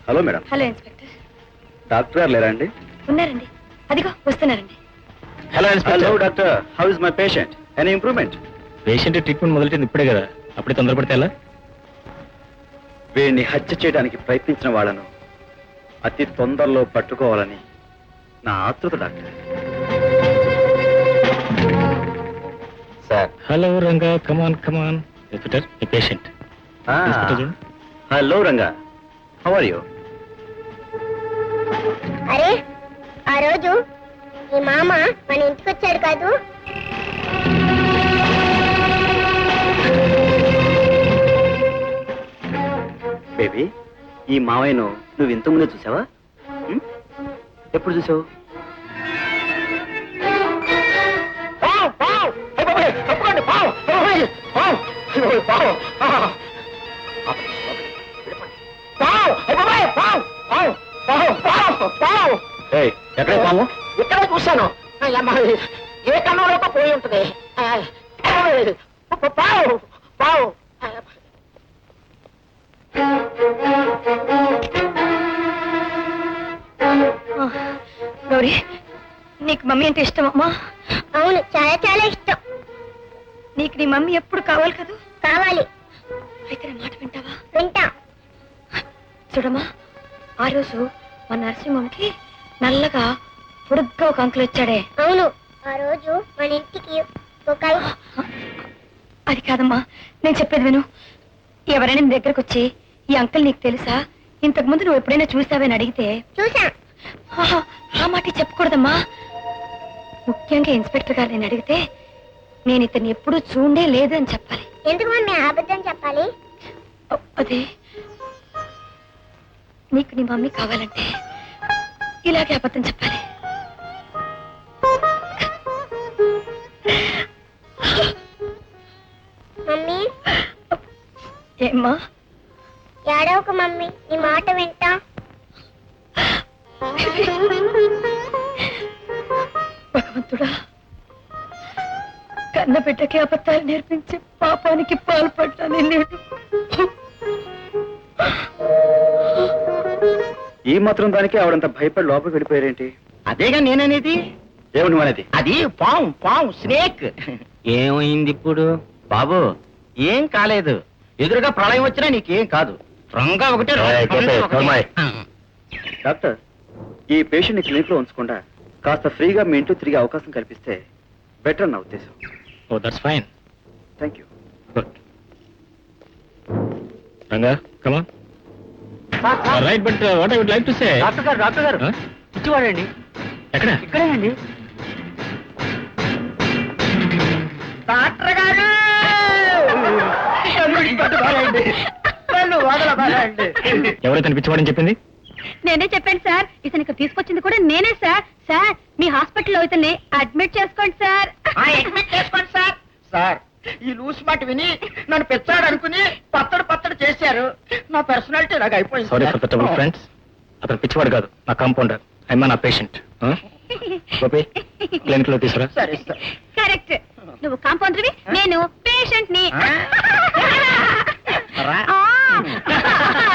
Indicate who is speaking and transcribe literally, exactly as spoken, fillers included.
Speaker 1: Hello madam.
Speaker 2: Hello inspector.
Speaker 1: Doctor గారు లేరా అండి?
Speaker 2: ఉన్నారండి, అదిగో వస్తున్నారండి.
Speaker 1: Hello hello doctor, how is my patient? Any improvement?
Speaker 3: Patient treatment మొదలెట్టింది ఇప్పుడే కదా, అప్పుడే తొందరపడితే ఎలా?
Speaker 1: వీడిని హత్య చేయడానికి ప్రయత్నించిన వాళ్ళను అతి తొందరలో పట్టుకోవాలని నా ఆతృత doctor. Sir.
Speaker 3: Hello Ranga, come on come on. Inspector, ఈ patient.
Speaker 1: Hello Ranga, how are you?
Speaker 4: అరే, ఆ రోజు మీ మామ మన ఇంటికి వచ్చాడు కాదు?
Speaker 1: బేబీ, ఈ మావయ్యను నువ్వు ఇంతకుముందే చూసావా? ఎప్పుడు చూసావు? ఎక్కడ పాము?
Speaker 5: ఇక్కడ చూశాను. ఏ కన్నంలోకి పోయి ఉంటుంది. పావు పావు
Speaker 2: గౌరీ, నీకు మమ్మీ అంటే ఇష్టమమ్మా?
Speaker 4: అవును, చాలా చాలా ఇష్టం.
Speaker 2: నీకు నీ మమ్మీ ఎప్పుడు కావాలి కదా?
Speaker 4: కావాలి.
Speaker 2: అయితే నా మాట వింటావా?
Speaker 4: వింటా.
Speaker 2: చూడమ్మా, ఆ రోజు మా నరసింహంకి నల్లగా పొడుగ్గా ఒక అంకుల్ వచ్చాడే.
Speaker 4: అవును, ఆ రోజు మన ఇంటికి ఒక
Speaker 2: అది కాదమ్మా, నేను చెప్పేది విను. ఎవరైనా నీ దగ్గరకు వచ్చి ఈ అంకుల్ నీకు తెలుసా, ఇంతకు ముందు నువ్వు ఎప్పుడైనా చూసావని అడిగితే
Speaker 4: చూసా
Speaker 2: ఆ మాట చెప్పకూడదమ్మా. ముఖ్యంగా ఇన్స్పెక్టర్ గారు నేను అడిగితే నేను ఇతన్ని ఎప్పుడూ చూడే లేదు అని చెప్పాలి.
Speaker 4: ఎందుకు మమ్మీ అబద్ధం చెప్పాలి?
Speaker 2: అదే, నీకు నీ మమ్మీ కావాలంటే ఇలాగే అబద్ధం చెప్పాలి.
Speaker 4: మమ్మీ.
Speaker 2: ఏమ్మా?
Speaker 4: ఏడవకు మమ్మీ, నీ మాట వింటా.
Speaker 2: భగవంతుడా, కన్న బిడ్డకి అబద్ధాలు నేర్పించి పాపానికి పాల్పడ్డాను నేను.
Speaker 1: ఈ మాత్రం దానికి ఆవిడంత భయపడి లోపలికి వెళ్ళిపోయారేంటి?
Speaker 5: అదేగా నేననేది.
Speaker 1: ఏమిటి మనది?
Speaker 5: అది పాము పాము స్నేక్. ఏమైంది ఇప్పుడు? బాబు, ఏం కాలేదు. ఎదురుగా ప్రళయం వచ్చినా నీకేం కాదు. రంగా ఒకటే.
Speaker 1: డాక్టర్, ఈ పేషెంట్ ని క్లినిక్ లో ఉంచకుండా కాస్త ఫ్రీగా మీ ఇంట్లో తిరిగే అవకాశం కల్పిస్తే బెటర్ నా ఉద్దేశం.
Speaker 3: Oh that's fine.
Speaker 1: Thank you.
Speaker 3: Good. Ranga, come on. Right, but what I would like to say.
Speaker 5: Doctor గారు, డాక్టర్ గారు, ఇచ్చివాడండి.
Speaker 3: ఎక్కడ?
Speaker 5: ఇక్కడేనండి. డాక్టర్ గారు,
Speaker 3: ఎవరైతే పిచ్చివాడని చెప్పింది?
Speaker 2: నేనే చెప్పాను సార్. ఇతనికి తీసుకొచ్చింది కూడా నేనే సార్. సార్, మీ హాస్పిటల్లో ఇతన్ని అడ్మిట్ చేసుకోండి సార్.
Speaker 5: అడ్మిట్ చేసుకోండి సార్. సార్, ఈ లూస్ మాట విని నన్ను పెచ్చాడు అనుకుని పత్తడు పత్తడు చేశారు. నా పర్సనాలిటీ ఇలాగ అయిపోయింది.
Speaker 3: Sorry for the trouble friends. అతను పిచ్చివాడు కాదు, నా కాంపౌండర్. ఐమా నా పేషెంట్. గోపి, క్లినిక్ లో తీసుకురా.
Speaker 5: సరే సార్.
Speaker 2: కరెక్ట్. నువ్వు కాంపౌండర్వి, నేను పేషెంట్ ని.
Speaker 5: రా.
Speaker 2: ఆ.